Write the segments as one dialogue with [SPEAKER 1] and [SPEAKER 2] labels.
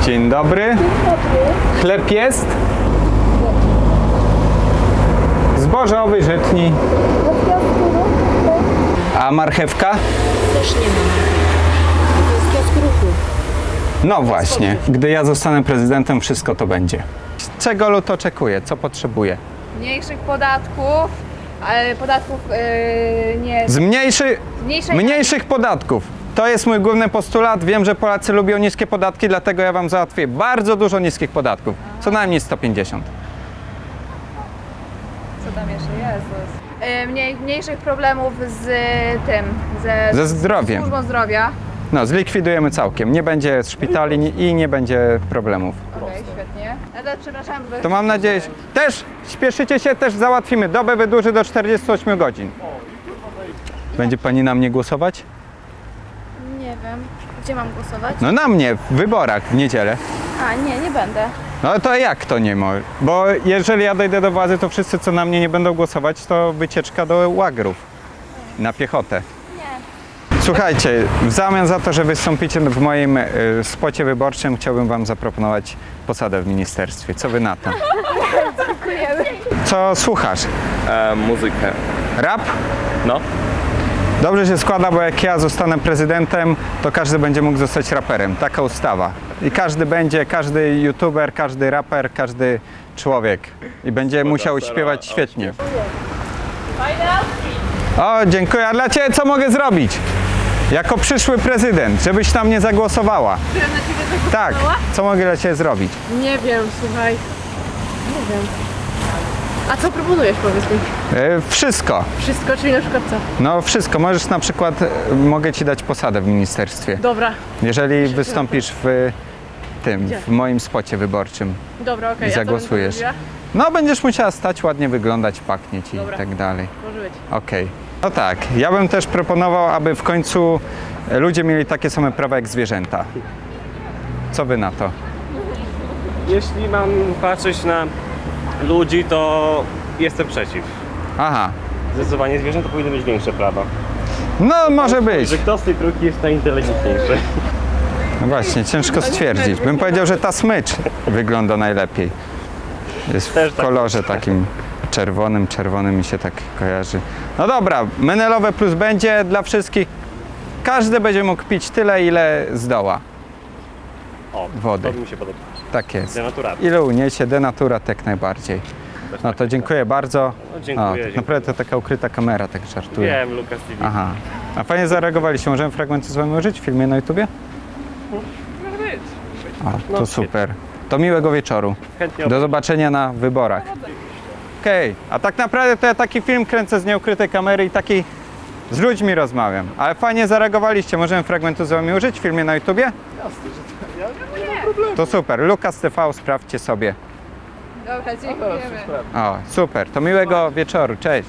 [SPEAKER 1] Dzień dobry. Chleb jest? Zbożowy, żytni. A marchewka?
[SPEAKER 2] Też nie ma. To jest kiosk ruchu.
[SPEAKER 1] No właśnie, gdy ja zostanę prezydentem, wszystko to będzie. Czego lud oczekuje? Co potrzebuje?
[SPEAKER 3] Mniejszych podatków, ale podatków nie...
[SPEAKER 1] Mniejszych podatków. To jest mój główny postulat. Wiem, że Polacy lubią niskie podatki, dlatego ja wam załatwię bardzo dużo niskich podatków. Co najmniej 150.
[SPEAKER 3] Co tam jeszcze jest? Mniejszych problemów z tym,
[SPEAKER 1] Ze zdrowiem.
[SPEAKER 3] służbą zdrowia.
[SPEAKER 1] No, zlikwidujemy całkiem. Nie będzie szpitali i nie będzie problemów.
[SPEAKER 3] Okej, świetnie. Ja też przepraszam, bo...
[SPEAKER 1] To mam nadzieję, że też śpieszycie się, też załatwimy. Dobę wydłuży do 48 godzin. Będzie pani na mnie głosować?
[SPEAKER 2] Nie wiem. Gdzie mam głosować?
[SPEAKER 1] No na mnie, w wyborach w niedzielę.
[SPEAKER 2] A, nie będę.
[SPEAKER 1] No to jak to nie może? Bo jeżeli ja dojdę do władzy, to wszyscy, co na mnie nie będą głosować, to wycieczka do łagrów. Na piechotę. Słuchajcie, w zamian za to, że wystąpicie w moim spocie wyborczym, chciałbym wam zaproponować posadę w ministerstwie. Co wy na to?
[SPEAKER 3] Dziękujemy.
[SPEAKER 1] Co słuchasz?
[SPEAKER 4] Muzykę.
[SPEAKER 1] Rap?
[SPEAKER 4] No.
[SPEAKER 1] Dobrze się składa, bo jak ja zostanę prezydentem, to każdy będzie mógł zostać raperem. Taka ustawa. I każdy będzie, każdy youtuber, każdy raper, każdy człowiek. I będzie musiał śpiewać świetnie. O, dziękuję. A dla Ciebie co mogę zrobić? Jako przyszły prezydent, żebyś tam nie zagłosowała. Tak, co mogę dla Ciebie zrobić?
[SPEAKER 5] Nie wiem, słuchaj. Nie wiem. A co proponujesz, powiedz mi?
[SPEAKER 1] Wszystko.
[SPEAKER 5] Wszystko, czyli na przykład co?
[SPEAKER 1] No wszystko. Możesz na przykład, mogę Ci dać posadę w ministerstwie.
[SPEAKER 5] Dobra,
[SPEAKER 1] Jeżeli wystąpisz w tym, w moim spocie wyborczym
[SPEAKER 5] dobra, okej.
[SPEAKER 1] i
[SPEAKER 5] A co bym
[SPEAKER 1] zagłosujesz.
[SPEAKER 5] zrobiła?
[SPEAKER 1] No będziesz musiała stać, ładnie wyglądać, pachnieć i
[SPEAKER 5] Dobra.
[SPEAKER 1] tak dalej.
[SPEAKER 5] Może być.
[SPEAKER 1] Okej. No tak, ja bym też proponował, aby w końcu ludzie mieli takie same prawa jak zwierzęta. Co wy na to?
[SPEAKER 4] Jeśli mam patrzeć na ludzi, to jestem przeciw.
[SPEAKER 1] Aha,
[SPEAKER 4] Zdecydowanie zwierzęta powinny mieć większe prawa.
[SPEAKER 1] no może być.
[SPEAKER 4] Że kto z tej trójki jest najinteligentniejszy?
[SPEAKER 1] No właśnie, ciężko stwierdzić. Bym powiedział, że ta smycz wygląda najlepiej. Jest
[SPEAKER 4] Też
[SPEAKER 1] w
[SPEAKER 4] tak
[SPEAKER 1] kolorze takim czerwonym mi się tak kojarzy. No dobra, Menelowe Plus będzie dla wszystkich. Każdy będzie mógł pić tyle, ile zdoła.
[SPEAKER 4] O,
[SPEAKER 1] Wody.
[SPEAKER 4] to mi się podoba.
[SPEAKER 1] Tak jest.
[SPEAKER 4] Denaturatnie.
[SPEAKER 1] Ile uniesie, denaturat jak najbardziej. No to dziękuję bardzo.
[SPEAKER 4] No, dziękuję,
[SPEAKER 1] tak
[SPEAKER 4] dziękuję.
[SPEAKER 1] naprawdę to taka ukryta kamera, tak żartuję.
[SPEAKER 4] Wiem, Lukas TV.
[SPEAKER 1] Aha. A fajnie zareagowaliście. Możemy fragmenty z wami użyć w filmie na YouTubie? O, to super. To miłego wieczoru.
[SPEAKER 4] Chętnie
[SPEAKER 1] Do zobaczenia na wyborach. Okej. A tak naprawdę to ja taki film kręcę z nieukrytej kamery i taki z ludźmi rozmawiam. Ale fajnie zareagowaliście. Możemy fragmentu z wami użyć w filmie na YouTubie? To super. Lukas TV, sprawdźcie sobie.
[SPEAKER 3] Dobra, dziękujemy.
[SPEAKER 1] O, super. To miłego wieczoru. Cześć.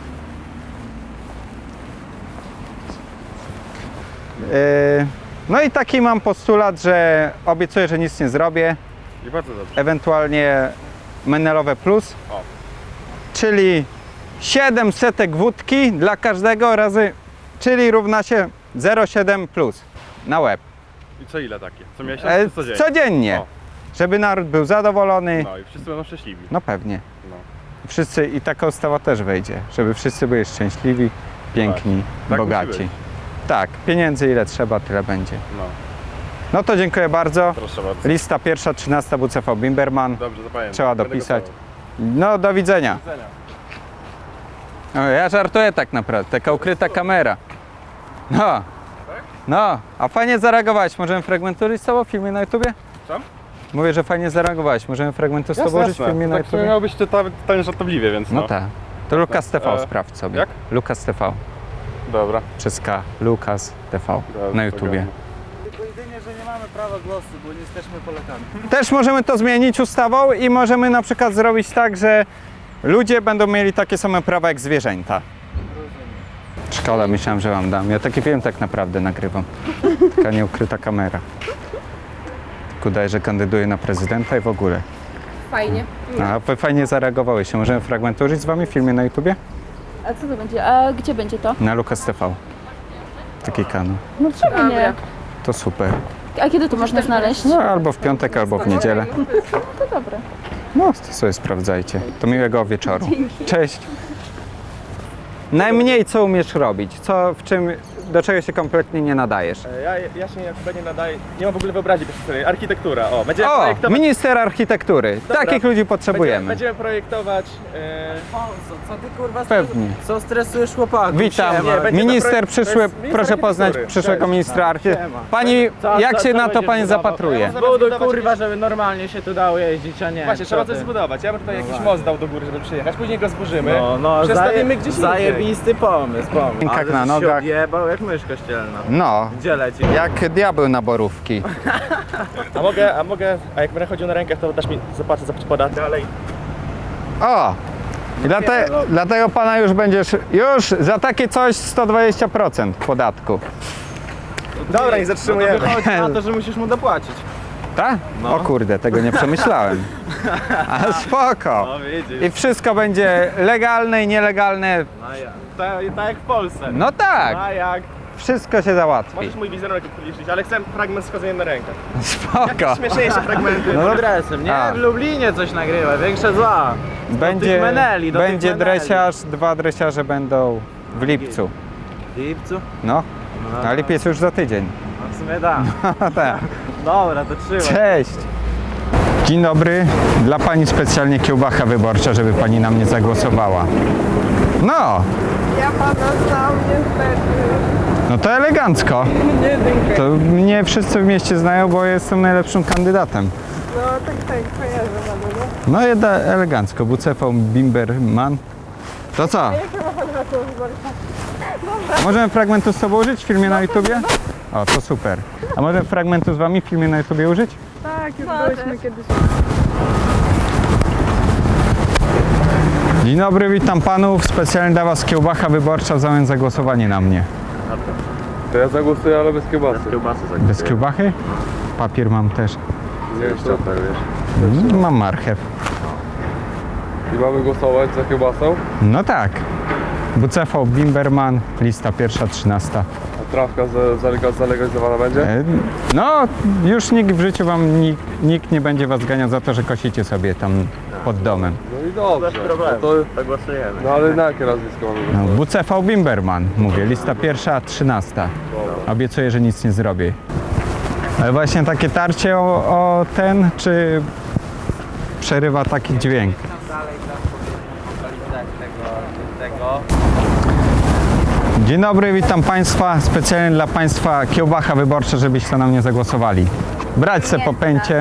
[SPEAKER 1] No i taki mam postulat, że obiecuję, że nic nie zrobię.
[SPEAKER 4] I bardzo dobrze.
[SPEAKER 1] Ewentualnie Menelowe Plus. Czyli 700 wódki dla każdego razy, czyli równa się 0,7 plus na łeb.
[SPEAKER 6] I co ile takie? Co miesiąc czy codziennie?
[SPEAKER 1] Codziennie.
[SPEAKER 6] O.
[SPEAKER 1] Żeby naród był zadowolony.
[SPEAKER 6] No i wszyscy będą szczęśliwi.
[SPEAKER 1] No pewnie.
[SPEAKER 6] No.
[SPEAKER 1] Wszyscy i taka ustawa też wejdzie, żeby wszyscy byli szczęśliwi, piękni,
[SPEAKER 6] Tak
[SPEAKER 1] bogaci.
[SPEAKER 6] musi być.
[SPEAKER 1] Tak, pieniędzy ile trzeba, tyle będzie.
[SPEAKER 6] No,
[SPEAKER 1] No to dziękuję bardzo.
[SPEAKER 6] proszę bardzo.
[SPEAKER 1] Lista pierwsza, 13 WCV Bimberman.
[SPEAKER 6] Dobrze, zapamiętam.
[SPEAKER 1] Trzeba
[SPEAKER 6] Będę
[SPEAKER 1] dopisać.
[SPEAKER 6] głosował.
[SPEAKER 1] No do widzenia.
[SPEAKER 6] Do widzenia.
[SPEAKER 1] No, ja żartuję tak naprawdę, taka ukryta kamera. No. No, a fajnie zareagowałeś. Możemy fragmentu listowo w filmie na YouTubie?
[SPEAKER 6] Co?
[SPEAKER 1] Mówię, że fajnie zareagowałeś. Możemy fragmentu z tobą użyć w filmie na
[SPEAKER 6] Tak
[SPEAKER 1] YouTubie?
[SPEAKER 6] miało być totalnie żartobliwie, więc
[SPEAKER 1] No tak. To Lukas TV
[SPEAKER 6] E,
[SPEAKER 1] sprawdź sobie.
[SPEAKER 6] jak?
[SPEAKER 1] Lukas TV.
[SPEAKER 6] Dobra.
[SPEAKER 1] Przez K. Lukas TV
[SPEAKER 6] Dobra,
[SPEAKER 1] na YouTubie.
[SPEAKER 7] Tylko jedynie, że nie mamy prawa głosu, bo nie jesteśmy Polakami.
[SPEAKER 1] Też możemy to zmienić ustawą i możemy na przykład zrobić tak, że ludzie będą mieli takie same prawa jak zwierzęta. Szkoda, myślałem, że wam dam. Ja taki film tak naprawdę nagrywam. Taka nieukryta kamera. Tylko daję, że kandyduję na prezydenta i w ogóle.
[SPEAKER 5] Fajnie.
[SPEAKER 1] A wy fajnie zareagowałyście. Możemy fragment użyć z wami w filmie na YouTubie?
[SPEAKER 2] A co to będzie? A gdzie będzie to?
[SPEAKER 1] Na Lukas TV. Taki kanał.
[SPEAKER 2] No czemu nie?
[SPEAKER 1] To super.
[SPEAKER 2] A kiedy to można znaleźć?
[SPEAKER 1] No albo w piątek, albo w niedzielę.
[SPEAKER 2] To dobre.
[SPEAKER 1] No, to sobie sprawdzajcie. To miłego wieczoru. Cześć. Najmniej co umiesz robić? Do czego się kompletnie nie nadajesz?
[SPEAKER 4] Ja się chyba nie nadaję, nie mam w ogóle wyobraźni sobie. Architektura, będziemy
[SPEAKER 1] O,
[SPEAKER 4] projektować...
[SPEAKER 1] minister architektury.
[SPEAKER 4] Dobra.
[SPEAKER 1] Takich ludzi potrzebujemy.
[SPEAKER 4] Będziemy projektować...
[SPEAKER 7] Co ty kurwa
[SPEAKER 1] Pewnie.
[SPEAKER 7] Co stresujesz chłopaków?
[SPEAKER 1] Witam.
[SPEAKER 4] Nie, będzie to
[SPEAKER 1] Minister
[SPEAKER 4] projekt-
[SPEAKER 1] przyszły,
[SPEAKER 4] to jest minister
[SPEAKER 1] proszę poznać
[SPEAKER 4] architektury.
[SPEAKER 1] przyszłego
[SPEAKER 4] Cześć.
[SPEAKER 1] ministra architektury. Pani, jak się na to pani zapatruje?
[SPEAKER 7] Zbuduj kurwa, żeby normalnie się tu dało jeździć, a nie.
[SPEAKER 4] Właśnie, trzeba
[SPEAKER 7] co
[SPEAKER 4] coś
[SPEAKER 7] ty?
[SPEAKER 4] zbudować. Ja bym tutaj jakiś most dał do góry, żeby przyjechać. Później go zburzymy.
[SPEAKER 7] No,
[SPEAKER 4] Przestawimy gdzieś indziej.
[SPEAKER 7] zajebisty pomysł.
[SPEAKER 1] Jak
[SPEAKER 7] Ale
[SPEAKER 1] na
[SPEAKER 7] żeś
[SPEAKER 1] nogach.
[SPEAKER 7] się odjebał jak mysz kościelna.
[SPEAKER 1] No,
[SPEAKER 7] Gdzie leci?
[SPEAKER 1] jak diabeł na borówki.
[SPEAKER 4] A jak będę chodził na rękach, to dasz mi zapłacę za podatek. Dalej.
[SPEAKER 1] O! I dlatego pana już za takie coś 120% podatku.
[SPEAKER 4] Dobra, nie zatrzymujemy.
[SPEAKER 7] Wychodzi na to, że musisz mu dopłacić.
[SPEAKER 1] Tak? O kurde, tego nie przemyślałem. A spoko.
[SPEAKER 7] No widzisz.
[SPEAKER 1] I wszystko będzie legalne i nielegalne.
[SPEAKER 7] No ja. Tak jak w Polsce.
[SPEAKER 1] No tak,
[SPEAKER 7] A jak?
[SPEAKER 1] wszystko się załatwi.
[SPEAKER 4] Możesz mój wizerunek upublicznić, ale chcę fragment z chodzeniem na rękach.
[SPEAKER 1] Spoko.
[SPEAKER 4] Śmieszniejsze fragmenty.
[SPEAKER 1] No,
[SPEAKER 7] Dresem, nie?
[SPEAKER 1] A.
[SPEAKER 7] W Lublinie coś nagrywa, większe zła.
[SPEAKER 1] Będzie,
[SPEAKER 7] meneli, do tych
[SPEAKER 1] będzie
[SPEAKER 7] meneli.
[SPEAKER 1] dresiarz, 2 dresiarze będą w lipcu.
[SPEAKER 7] W lipcu?
[SPEAKER 1] No,
[SPEAKER 7] No,
[SPEAKER 1] a lipiec już za tydzień.
[SPEAKER 7] no w sumie tak.
[SPEAKER 1] Tak.
[SPEAKER 7] Dobra, to trzymaj.
[SPEAKER 1] Cześć! Dzień dobry. Dla pani specjalnie kiełbacha wyborcza, żeby pani na mnie zagłosowała. No,
[SPEAKER 5] Ja pana znam niestety.
[SPEAKER 1] no to elegancko.
[SPEAKER 5] Nie dziękuję.
[SPEAKER 1] To mnie wszyscy w mieście znają, bo jestem najlepszym kandydatem.
[SPEAKER 5] No tak, kojarzę pana, no.
[SPEAKER 1] No jedna elegancko. Bucefał Bimberman. To co?
[SPEAKER 5] Jakie ma pan hasło wyborcze?
[SPEAKER 1] Możemy fragmentu z tobą użyć w filmie na YouTubie? O, to super. A możemy fragmentu z wami w filmie na YouTubie użyć?
[SPEAKER 5] Tak, już
[SPEAKER 3] Możesz.
[SPEAKER 5] byliśmy kiedyś.
[SPEAKER 1] Dzień dobry, witam panów. Specjalnie dla was kiełbacha wyborcza w zamian za głosowanie na mnie.
[SPEAKER 6] To ja zagłosuję, ale bez kiełbasy.
[SPEAKER 1] Bez kiełbachy? Papier mam też.
[SPEAKER 6] Nie wiem, co
[SPEAKER 1] Mam marchew.
[SPEAKER 6] I mamy głosować za kiełbasą?
[SPEAKER 1] No tak. Bucefał Bimberman, lista pierwsza, 13.
[SPEAKER 6] A trawka zalegalizowana będzie?
[SPEAKER 1] No, już nikt w życiu nikt nie będzie was ganiał za to, że kosicie sobie tam pod domem.
[SPEAKER 6] No i dobrze.
[SPEAKER 4] Bez problemu,
[SPEAKER 6] No,
[SPEAKER 4] to głosujemy.
[SPEAKER 6] no ale na jakie nazwisko mamy
[SPEAKER 1] No,
[SPEAKER 6] głosować?
[SPEAKER 1] Bucefał Bimberman, mówię, lista pierwsza, 13. Obiecuję, że nic nie zrobię. Ale właśnie takie tarcie o ten, czy przerywa taki dźwięk? Dzień dobry, witam Państwa. Specjalnie dla Państwa kiełbacha wyborcza, żebyście na mnie zagłosowali. Brać se po pęcie.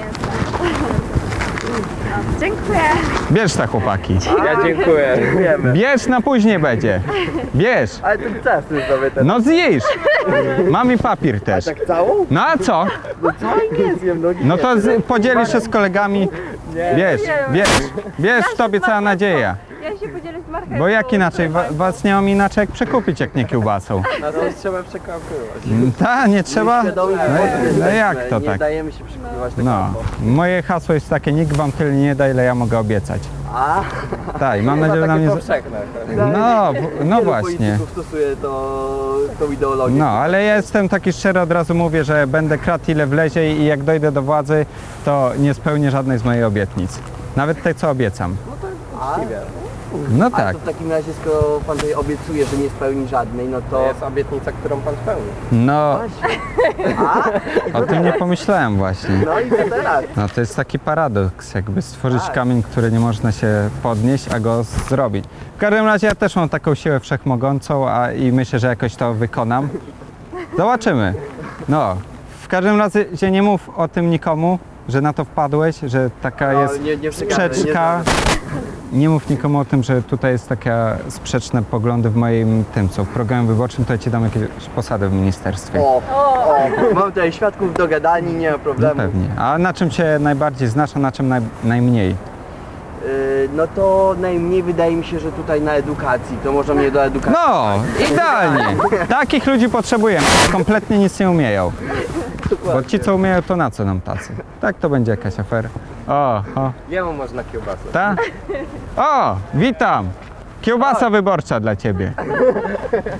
[SPEAKER 3] Dziękuję.
[SPEAKER 1] Bierz te chłopaki.
[SPEAKER 7] Ja dziękuję.
[SPEAKER 1] Bierz, na później będzie. Bierz.
[SPEAKER 7] Ale ty chcesz sobie ten.
[SPEAKER 1] No zjesz. Mam i papier też.
[SPEAKER 7] Tak całą?
[SPEAKER 1] No a co?
[SPEAKER 7] Nie zjem nogi.
[SPEAKER 1] No to podzielisz się z kolegami. Bierz, w tobie cała nadzieja.
[SPEAKER 5] Ja się podzielę z marchewką.
[SPEAKER 1] Bo jak inaczej? Was nie mam inaczej jak przekupić, jak nie kiełbasą.
[SPEAKER 7] Na to trzeba przekapywać.
[SPEAKER 1] Nie trzeba? No jak to
[SPEAKER 8] Nie
[SPEAKER 1] tak?
[SPEAKER 8] dajemy się przekupywać tak
[SPEAKER 1] No, moje hasło jest takie, nikt wam tyle nie da, ile ja mogę obiecać.
[SPEAKER 8] A,
[SPEAKER 1] Tak, i mam nadzieję, że na mnie...
[SPEAKER 8] powszechne.
[SPEAKER 1] No właśnie.
[SPEAKER 8] Polityków stosuje tą ideologię.
[SPEAKER 1] No, ale ja jestem taki szczery, od razu mówię, że będę kradł ile wlezie i jak dojdę do władzy, to nie spełnię żadnej z mojej obietnic. Nawet tej, co obiecam. No
[SPEAKER 8] A
[SPEAKER 1] tak.
[SPEAKER 8] to w takim razie, skoro pan tutaj obiecuje, że nie spełni żadnej, no to...
[SPEAKER 4] jest obietnica, którą pan spełni.
[SPEAKER 1] No, o tym nie pomyślałem właśnie.
[SPEAKER 8] No i co teraz?
[SPEAKER 1] No to jest taki paradoks, jakby stworzyć kamień, który nie można się podnieść, a go zrobić. W każdym razie ja też mam taką siłę wszechmogącą i myślę, że jakoś to wykonam. Zobaczymy. No, w każdym razie nie mów o tym nikomu, że na to wpadłeś, że taka
[SPEAKER 8] No,
[SPEAKER 1] jest
[SPEAKER 8] nie przekażę,
[SPEAKER 1] sprzeczka. Nie mów nikomu o tym, że tutaj jest takie sprzeczne poglądy w moim tym, co w programie wyborczym, to ja ci dam jakieś posady w ministerstwie.
[SPEAKER 8] Mam tutaj świadków do gadani, nie ma
[SPEAKER 1] No
[SPEAKER 8] problemu.
[SPEAKER 1] pewnie. A na czym cię najbardziej znasz, a na czym najmniej?
[SPEAKER 8] No to najmniej wydaje mi się, że tutaj na edukacji, to może mnie do edukacji.
[SPEAKER 1] No, idealnie. Takich ludzi potrzebujemy. Kompletnie nic nie umieją. Bo ci, co umieją, to na co nam tacy? Tak, to będzie jakaś afera. O,
[SPEAKER 4] Jemu można kiełbasę.
[SPEAKER 1] ta? O, witam. Kiełbasa wyborcza dla ciebie.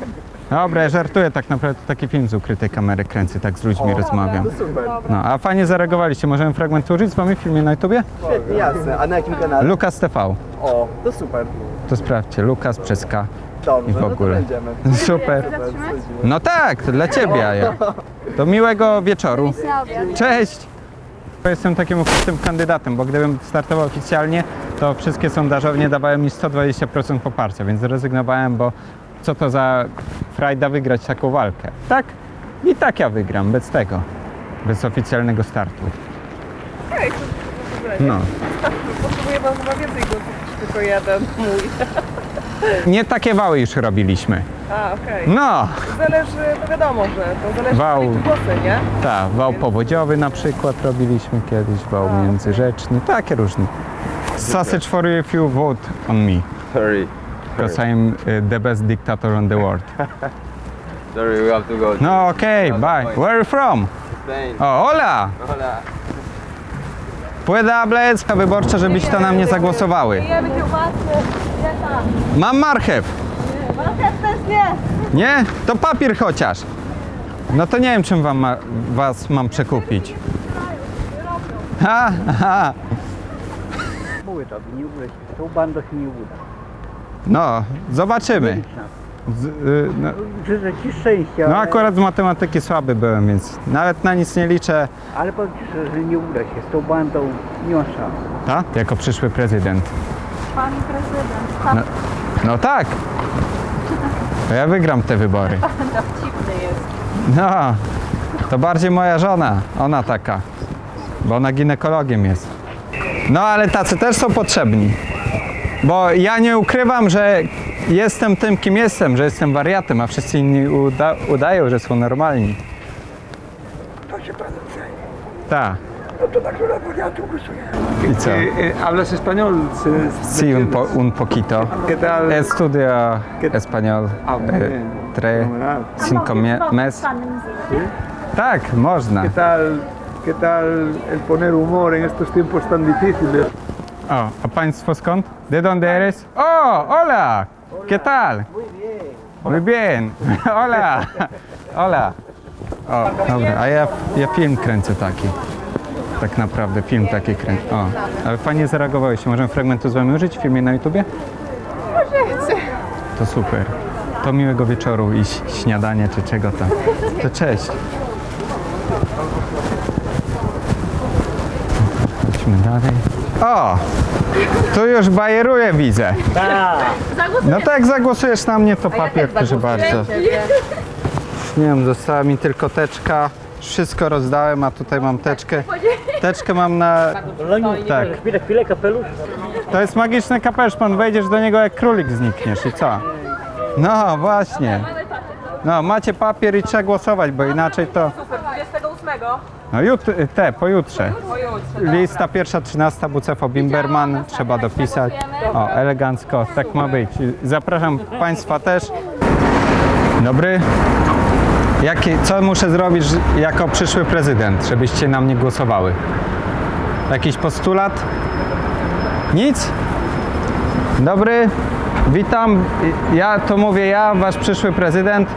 [SPEAKER 1] Dobra, ja żartuję, tak naprawdę to taki film z ukrytej kamery kręcę, tak z ludźmi rozmawiam.
[SPEAKER 4] To super.
[SPEAKER 1] No, a fajnie zareagowaliście, możemy fragment użyć z wami w filmie na YouTubie?
[SPEAKER 8] Świetnie, jasne. A na jakim kanale?
[SPEAKER 1] Lukas TV,
[SPEAKER 8] O, to super.
[SPEAKER 1] to sprawdźcie, Lukas przez K.
[SPEAKER 8] Dobrze,
[SPEAKER 1] I w
[SPEAKER 8] no
[SPEAKER 1] ogóle.
[SPEAKER 8] to będziemy.
[SPEAKER 1] Super. No tak, dla ciebie, a ja. Do miłego wieczoru. Cześć! Jestem takim ukrytym kandydatem, bo gdybym startował oficjalnie, to wszystkie sondażownie dawały mi 120% poparcia, więc zrezygnowałem, bo co to za frajda wygrać taką walkę. Tak? I tak ja wygram, bez tego. Bez oficjalnego startu. No.
[SPEAKER 5] Potrzebuję wam chyba więcej głosów niż tylko jeden mój.
[SPEAKER 1] Nie takie wały już robiliśmy.
[SPEAKER 5] A, okej.
[SPEAKER 1] No!
[SPEAKER 5] Zależy, no wiadomo, że to zależy
[SPEAKER 1] Wał.
[SPEAKER 5] od głosy, nie?
[SPEAKER 1] Tak, wał powodziowy na przykład robiliśmy kiedyś, wał międzyrzeczny, takie różne. Sausage for you if you vote on me,
[SPEAKER 6] Sorry.
[SPEAKER 1] because I'm the best dictator on the world.
[SPEAKER 6] Sorry, we have to go.
[SPEAKER 1] No okej, bye. Where are you from?
[SPEAKER 6] Spain.
[SPEAKER 1] O, hola!
[SPEAKER 6] Hola.
[SPEAKER 1] Pueda hablar wyborcza, żebyście na mnie zagłosowały.
[SPEAKER 2] Jemy kiełbasy.
[SPEAKER 1] Mam marchew.
[SPEAKER 2] Marchew też nie.
[SPEAKER 1] Nie? To papier chociaż. No to nie wiem, czym was mam przekupić. Ha, ha.
[SPEAKER 7] Mówię tobie, nie uda się. Z tą bandą się nie uda.
[SPEAKER 1] No, zobaczymy. No,
[SPEAKER 7] Życzę ci szczęścia,
[SPEAKER 1] no akurat z matematyki słaby byłem, więc nawet na nic nie liczę.
[SPEAKER 7] ale powiem ci szczerze, że nie uda się. Z tą bandą nie ma szans.
[SPEAKER 1] Tak? Jako przyszły prezydent.
[SPEAKER 2] Pan prezydent.
[SPEAKER 1] No tak. To ja wygram te wybory.
[SPEAKER 2] Dowcipny jest.
[SPEAKER 1] No, to bardziej moja żona. Ona taka. Bo ona ginekologiem jest. No ale tacy też są potrzebni. Bo ja nie ukrywam, że jestem tym, kim jestem, że jestem wariatem, a wszyscy inni udają, że są normalni.
[SPEAKER 7] To się pan chce.
[SPEAKER 1] Tak.
[SPEAKER 7] No to tak, że ja tu głosuję.
[SPEAKER 1] I co?
[SPEAKER 7] Hablas español?
[SPEAKER 1] Sí, un poquito.
[SPEAKER 7] ¿Qué tal?
[SPEAKER 1] Estudio español.
[SPEAKER 7] muy bien.
[SPEAKER 1] Tres,
[SPEAKER 7] Fenomenal.
[SPEAKER 1] cinco mes. Tak, można.
[SPEAKER 7] ¿Qué tal el poner humor en estos tiempos tan difíciles?
[SPEAKER 1] O, a państwo skąd? De dónde eres? O, hola! ¿Qué tal? Muy bien. Hola. Hola. O, dobra, a ja film kręcę taki. Tak naprawdę film taki kręcę. O, ale fajnie zareagowałeś. Możemy fragmentu z wami użyć w filmie na YouTubie? To super. To miłego wieczoru i śniadanie czy czego tam. To cześć. Chodźmy dalej. O! Tu już bajeruję, widzę. No tak, jak zagłosujesz na mnie, to papier, proszę bardzo. Nie wiem, została mi tylko teczka. Wszystko rozdałem, a tutaj mam teczkę. Teczkę mam na... Tak.
[SPEAKER 7] Chwilę, kapelusz.
[SPEAKER 1] To jest magiczny kapelusz, pan wejdziesz do niego jak królik znikniesz i co? No właśnie. No, macie papier i trzeba głosować, bo inaczej to...
[SPEAKER 5] 28.
[SPEAKER 1] No pojutrze. Lista pierwsza, 13, Bucefo Bimberman, trzeba dopisać. O, elegancko, tak ma być. Zapraszam Państwa też. Dobry. Co muszę zrobić jako przyszły prezydent, żebyście na mnie głosowały? Jakiś postulat? Nic? Dobry, witam. To mówię ja, wasz przyszły prezydent.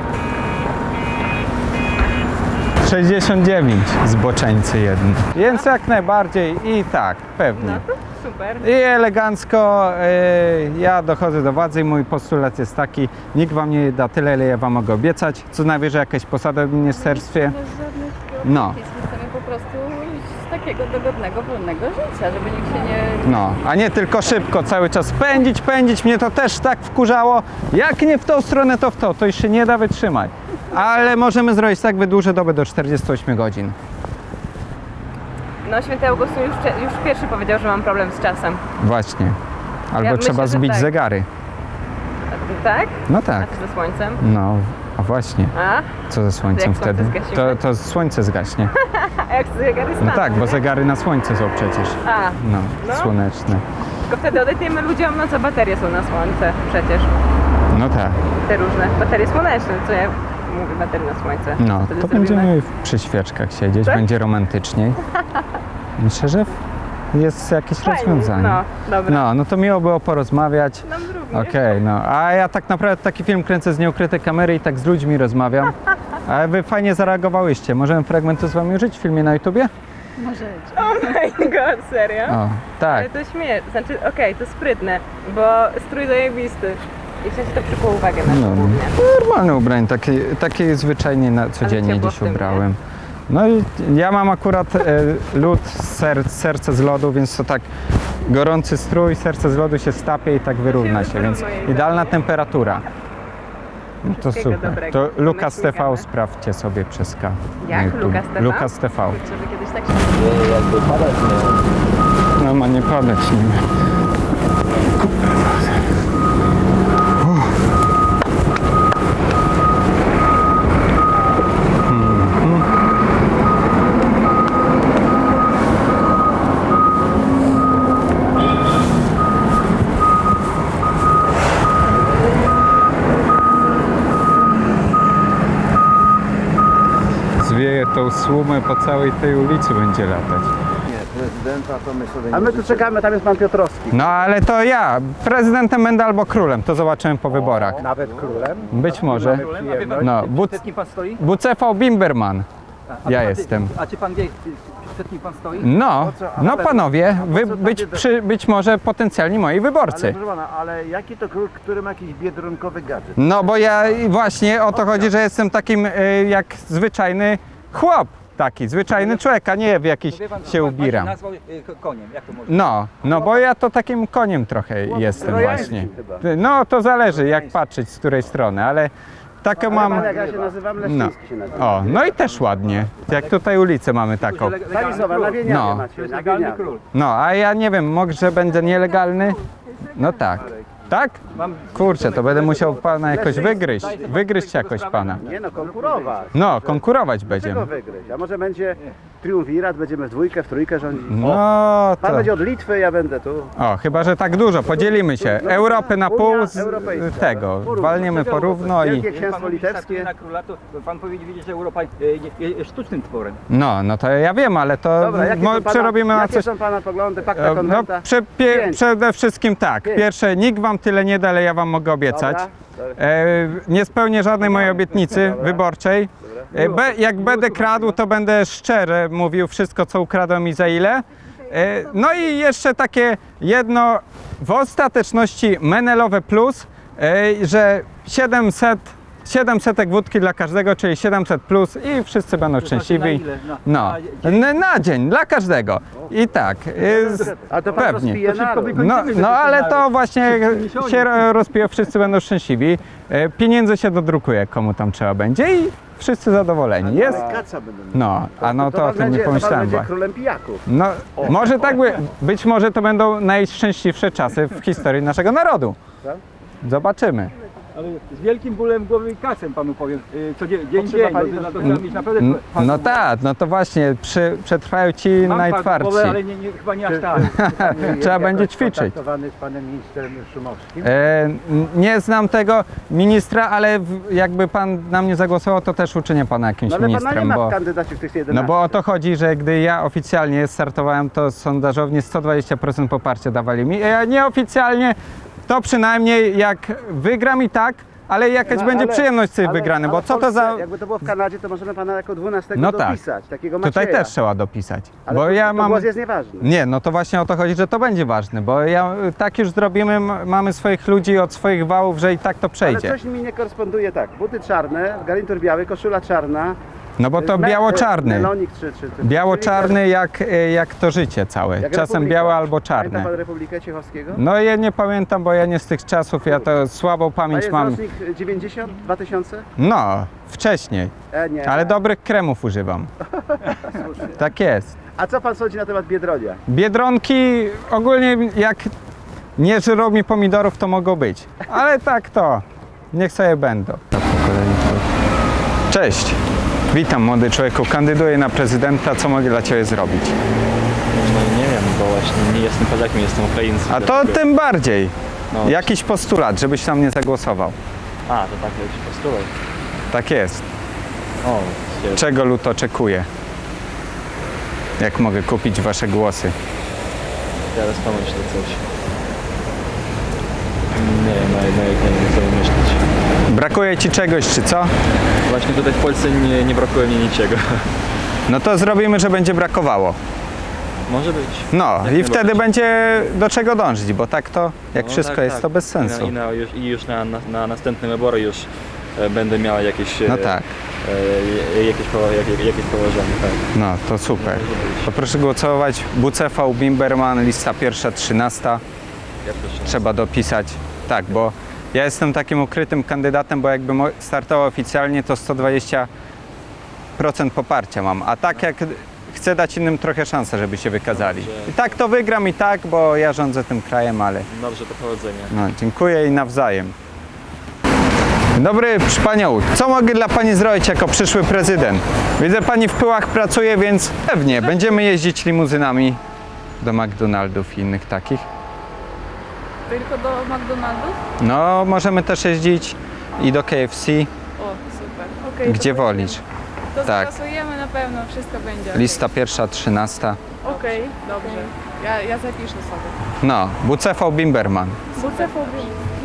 [SPEAKER 1] 69 zboczeńcy jedni. Więc jak najbardziej i tak, pewnie.
[SPEAKER 5] Super.
[SPEAKER 1] I elegancko ja dochodzę do władzy i mój postulat jest taki, nikt wam nie da tyle, ile ja wam mogę obiecać, co najwyżej jakaś posada w ministerstwie. No,
[SPEAKER 2] Chcemy po prostu takiego dogodnego, wolnego życia, żeby nikt się nie...
[SPEAKER 1] no, a nie tylko szybko, cały czas pędzić, mnie to też tak wkurzało, jak nie w tą stronę, to w to, to już się nie da wytrzymać. Ale możemy zrobić tak, wydłużę dobę do 48 godzin.
[SPEAKER 5] No święty Augustyn już pierwszy powiedział, że mam problem z czasem.
[SPEAKER 1] Właśnie. Albo
[SPEAKER 5] Ja
[SPEAKER 1] trzeba
[SPEAKER 5] myślę, że
[SPEAKER 1] zbić
[SPEAKER 5] tak.
[SPEAKER 1] zegary.
[SPEAKER 5] Tak?
[SPEAKER 1] No
[SPEAKER 5] A
[SPEAKER 1] tak.
[SPEAKER 5] co ze słońcem?
[SPEAKER 1] No, a właśnie.
[SPEAKER 5] A?
[SPEAKER 1] Co ze słońcem
[SPEAKER 5] Jak słońce
[SPEAKER 1] wtedy?
[SPEAKER 5] zgasimy?
[SPEAKER 1] To słońce zgaśnie.
[SPEAKER 5] A jak zegary
[SPEAKER 1] No
[SPEAKER 5] staną?
[SPEAKER 1] tak, bo zegary na słońce są przecież.
[SPEAKER 5] A,
[SPEAKER 1] No,
[SPEAKER 5] No.
[SPEAKER 1] słoneczne.
[SPEAKER 5] tylko wtedy odejdziemy ludziom, no co baterie są na słońce przecież.
[SPEAKER 1] No tak.
[SPEAKER 5] Te różne. Baterie słoneczne, co ja mówię, baterie na słońce.
[SPEAKER 1] No,
[SPEAKER 5] Co wtedy
[SPEAKER 1] to
[SPEAKER 5] zrobimy?
[SPEAKER 1] będziemy przy świeczkach siedzieć,
[SPEAKER 5] Tak?
[SPEAKER 1] będzie romantyczniej. Myślę, że jest jakieś
[SPEAKER 5] Fajnie,
[SPEAKER 1] rozwiązanie.
[SPEAKER 5] No, dobra.
[SPEAKER 1] No to miło było porozmawiać.
[SPEAKER 5] Nam również.
[SPEAKER 1] Okej, no. A ja tak naprawdę taki film kręcę z nieukrytej kamery i tak z ludźmi rozmawiam. A wy fajnie zareagowałyście. Możemy fragmenty z wami użyć w filmie na YouTubie?
[SPEAKER 5] Oh my god, serio?
[SPEAKER 1] O, tak.
[SPEAKER 5] Ale to śmieszne, znaczy okej, to sprytne, bo strój zajebisty. I w sensie to przykuło uwagę na
[SPEAKER 1] No,
[SPEAKER 5] głównie.
[SPEAKER 1] normalne ubranie, takie zwyczajnie codziennie
[SPEAKER 5] ciepło
[SPEAKER 1] dziś
[SPEAKER 5] w tym, nie?
[SPEAKER 1] ubrałem. No i ja mam akurat lód, serce z lodu, więc to tak gorący strój, serce z lodu się stapie i tak wyrówna się, więc idealna temperatura. No to
[SPEAKER 5] Wszystkiego
[SPEAKER 1] super.
[SPEAKER 5] dobrego.
[SPEAKER 1] To Lukas TV
[SPEAKER 5] Pomyślnikamy.
[SPEAKER 1] sprawdźcie sobie przez K. na
[SPEAKER 5] Jak?
[SPEAKER 1] YouTube.
[SPEAKER 5] Lukas TV?
[SPEAKER 1] Lukas TV.
[SPEAKER 5] Żeby kiedyś tak się...
[SPEAKER 1] No ma nie padać nim. Zwieje tą słumę po całej tej ulicy będzie latać.
[SPEAKER 7] A my tu czekamy, tam jest pan Piotrowski.
[SPEAKER 1] No ale to ja, prezydentem będę albo królem, to zobaczymy po wyborach.
[SPEAKER 7] Nawet królem.
[SPEAKER 1] Być może. No,
[SPEAKER 9] Przed kim pan stoi?
[SPEAKER 1] Bucefał Bimberman. Ja jestem.
[SPEAKER 9] A czy pan wie, przed kim pan stoi?
[SPEAKER 1] No panowie, wy być może potencjalni moi wyborcy.
[SPEAKER 7] Proszę pana, ale jaki to król, który ma jakiś biedronkowy gadżet?
[SPEAKER 1] No bo ja właśnie o to chodzi, że jestem takim jak zwyczajny chłop. Taki zwyczajny człowiek, a nie w jakiś
[SPEAKER 9] Wie pan,
[SPEAKER 1] się
[SPEAKER 9] pan się
[SPEAKER 1] ubieram.
[SPEAKER 9] nazwał koniem, jak to może?
[SPEAKER 1] No bo ja to takim koniem trochę jestem
[SPEAKER 7] trojańskim
[SPEAKER 1] właśnie.
[SPEAKER 7] chyba.
[SPEAKER 1] No to zależy jak patrzeć z której strony, ale taką mam.
[SPEAKER 7] Jak ja się nazywam,
[SPEAKER 1] No.
[SPEAKER 7] Leszczyński się nazywa.
[SPEAKER 1] O, no i też ładnie. Jak tutaj ulicę mamy taką.
[SPEAKER 7] Zalizowa, na Wieniawie
[SPEAKER 1] No.
[SPEAKER 7] macie, na
[SPEAKER 9] Legalny
[SPEAKER 7] Wieniawie.
[SPEAKER 9] król.
[SPEAKER 1] No, a ja nie wiem, może będę nielegalny? No tak. Tak? Kurczę, to będę musiał pana jakoś wygryźć. Wygryźć jakoś pana.
[SPEAKER 7] Nie no, konkurować.
[SPEAKER 1] No, konkurować
[SPEAKER 7] Czego
[SPEAKER 1] będziemy.
[SPEAKER 7] wygryźć? A może będzie triumvirat, będziemy w dwójkę, w trójkę rządzić?
[SPEAKER 1] No
[SPEAKER 7] Pan
[SPEAKER 1] to.
[SPEAKER 7] będzie od Litwy, ja będę tu.
[SPEAKER 1] O, chyba że tak dużo. Podzielimy się. Europy na pół z
[SPEAKER 7] Europejska.
[SPEAKER 1] tego. Walniemy porówno i.
[SPEAKER 7] Wielkie Księstwo Litewskie.
[SPEAKER 9] Na króla, to pan powinien wiedzieć, że Europa jest sztucznym tworem.
[SPEAKER 1] No to ja wiem, ale to
[SPEAKER 7] Dobra, jakie są pana,
[SPEAKER 1] przerobimy na
[SPEAKER 7] jakie
[SPEAKER 1] coś.
[SPEAKER 7] są pana poglądy, pakta
[SPEAKER 1] No,
[SPEAKER 7] konwenta? Pięć.
[SPEAKER 1] przede wszystkim tak.
[SPEAKER 7] Pięć.
[SPEAKER 1] Pierwsze, nikt wam tyle nie da, ale ja wam mogę obiecać.
[SPEAKER 7] Dobra.
[SPEAKER 1] Nie spełnię żadnej mojej obietnicy wyborczej. Jak będę kradł, to będę szczerze mówił wszystko, co ukradłem i za ile. No i jeszcze takie jedno w ostateczności Menelowe plus, że 700 wódki dla każdego, czyli 700 plus i wszyscy będą szczęśliwi. No, na dzień, dla każdego. I tak,
[SPEAKER 7] A to pan
[SPEAKER 1] pewnie.
[SPEAKER 7] rozpije naród.
[SPEAKER 1] No ale to właśnie się rozpije, wszyscy będą szczęśliwi. Pieniędzy się dodrukuje, komu tam trzeba będzie i wszyscy zadowoleni. Jest?
[SPEAKER 7] Kaca będą.
[SPEAKER 1] No, a no to o
[SPEAKER 7] pan
[SPEAKER 1] tym nie
[SPEAKER 7] będzie,
[SPEAKER 1] pomyślałem.
[SPEAKER 7] To pan będzie
[SPEAKER 1] właśnie.
[SPEAKER 7] królem pijaków.
[SPEAKER 1] No, może tak być może to będą najszczęśliwsze czasy w historii naszego narodu. Zobaczymy.
[SPEAKER 9] Ale z wielkim bólem głowy i kasem panu powiem, co dzień,
[SPEAKER 7] Potrzeba pani
[SPEAKER 9] no,
[SPEAKER 7] to-
[SPEAKER 9] to trzeba mieć naprawdę...
[SPEAKER 1] No tak, no to właśnie przetrwają ci
[SPEAKER 9] Mam
[SPEAKER 1] najtwardsi.
[SPEAKER 9] głowę, ale chyba nie aż tak.
[SPEAKER 1] Trzeba będzie ćwiczyć.
[SPEAKER 7] Kontaktowany z panem ministrem Szumowskim.
[SPEAKER 1] Nie znam tego ministra, ale jakby pan na mnie zagłosował, to też uczynię pana jakimś
[SPEAKER 7] No ale pana nie
[SPEAKER 1] ministrem,
[SPEAKER 7] ma
[SPEAKER 1] bo,
[SPEAKER 7] w kandydacie w tych 11.
[SPEAKER 1] no bo o to chodzi, że gdy ja oficjalnie startowałem, to sondażownie 120% poparcia dawali mi, a nieoficjalnie to przynajmniej jak wygram i tak, ale jakaś
[SPEAKER 7] No,
[SPEAKER 1] będzie
[SPEAKER 7] ale-
[SPEAKER 1] przyjemność z tej
[SPEAKER 7] ale-
[SPEAKER 1] wygrany,
[SPEAKER 7] ale
[SPEAKER 1] bo
[SPEAKER 7] w
[SPEAKER 1] co to
[SPEAKER 7] Polsce,
[SPEAKER 1] za...
[SPEAKER 7] Jakby to było w Kanadzie, to możemy pana jako 12
[SPEAKER 1] No tak.
[SPEAKER 7] dopisać, takiego Macieja.
[SPEAKER 1] Tutaj też trzeba dopisać,
[SPEAKER 7] Ale
[SPEAKER 1] bo
[SPEAKER 7] to,
[SPEAKER 1] ja
[SPEAKER 7] to
[SPEAKER 1] mam...
[SPEAKER 7] głos jest nieważny.
[SPEAKER 1] Nie, no to właśnie o to chodzi, że to będzie ważne, bo tak już zrobimy, mamy swoich ludzi od swoich wałów, że i tak to
[SPEAKER 7] Ale
[SPEAKER 1] przejdzie.
[SPEAKER 7] coś mi nie koresponduje tak. Buty czarne, garnitur biały, koszula czarna.
[SPEAKER 1] No bo to
[SPEAKER 7] me-
[SPEAKER 1] biało-czarny.
[SPEAKER 7] Melonik czy
[SPEAKER 1] Biało-czarny jak to życie całe.
[SPEAKER 7] jak
[SPEAKER 1] Czasem
[SPEAKER 7] Republika.
[SPEAKER 1] białe albo
[SPEAKER 7] Pamięta
[SPEAKER 1] czarne.
[SPEAKER 7] pan Republikę Ciechowskiego?
[SPEAKER 1] No ja nie pamiętam, bo ja nie z tych czasów, ja to słabą
[SPEAKER 7] A
[SPEAKER 1] pamięć
[SPEAKER 7] jest
[SPEAKER 1] mam.
[SPEAKER 7] rocznik 90, 2000?
[SPEAKER 1] No, wcześniej,
[SPEAKER 7] Nie.
[SPEAKER 1] ale dobrych kremów używam. Tak jest.
[SPEAKER 7] A co pan sądzi na temat Biedronia?
[SPEAKER 1] Biedronki ogólnie jak nie żyrą mi pomidorów, to mogą być. Ale tak to, niech sobie będą. Cześć, witam młody człowieku, kandyduję na prezydenta, co mogę dla Ciebie zrobić?
[SPEAKER 10] No nie wiem, bo właśnie nie jestem Polakiem, jestem Ukraińcem.
[SPEAKER 1] A to tym bardziej.
[SPEAKER 10] No.
[SPEAKER 1] Jakiś postulat, żebyś na mnie zagłosował.
[SPEAKER 10] A, to tak jakiś postulat.
[SPEAKER 1] Tak jest.
[SPEAKER 10] O, się...
[SPEAKER 1] Czego lud oczekuje? Jak mogę kupić Wasze głosy?
[SPEAKER 10] Teraz pomyślę coś. Nie wiem, nie sobie myśleć.
[SPEAKER 1] Brakuje ci czegoś, czy co?
[SPEAKER 10] Właśnie tutaj w Polsce nie brakuje mi niczego.
[SPEAKER 1] No to zrobimy, że będzie brakowało.
[SPEAKER 10] Może być.
[SPEAKER 1] No
[SPEAKER 10] Jak
[SPEAKER 1] i wtedy
[SPEAKER 10] najbardziej.
[SPEAKER 1] będzie do czego dążyć, bo tak to, jak
[SPEAKER 10] No,
[SPEAKER 1] wszystko
[SPEAKER 10] tak,
[SPEAKER 1] jest,
[SPEAKER 10] tak.
[SPEAKER 1] to bez sensu.
[SPEAKER 10] I już na następne wybory już będę miał jakieś,
[SPEAKER 1] No tak,
[SPEAKER 10] jakieś położenie. Tak.
[SPEAKER 1] no to super. To proszę głosować WCV Bimberman, lista pierwsza, 13.
[SPEAKER 10] Ja proszę.
[SPEAKER 1] Trzeba dopisać. Tak, bo ja jestem takim ukrytym kandydatem, bo jakbym startował oficjalnie, to 120% poparcia mam. A tak jak chcę dać innym trochę szansę, żeby się wykazali. I tak to wygram i tak, bo ja rządzę tym krajem, ale
[SPEAKER 10] Dobrze, to powodzenia.
[SPEAKER 1] no, dziękuję i nawzajem. Dzień dobry, proszę Panią, co mogę dla Pani zrobić jako przyszły prezydent? Widzę, Pani w Pyłach pracuje, więc pewnie będziemy jeździć limuzynami do McDonaldów i innych takich.
[SPEAKER 2] Tylko do McDonald's?
[SPEAKER 1] No, możemy też jeździć i do KFC,
[SPEAKER 2] O, super. Okej,
[SPEAKER 1] gdzie
[SPEAKER 2] to
[SPEAKER 1] wolisz.
[SPEAKER 2] To
[SPEAKER 1] tak.
[SPEAKER 2] zagłosujemy na pewno, wszystko będzie.
[SPEAKER 1] Lista pierwsza, 13.
[SPEAKER 2] Okej, dobrze. Ja zapiszę sobie.
[SPEAKER 1] No, WCV Bimberman.
[SPEAKER 2] WCV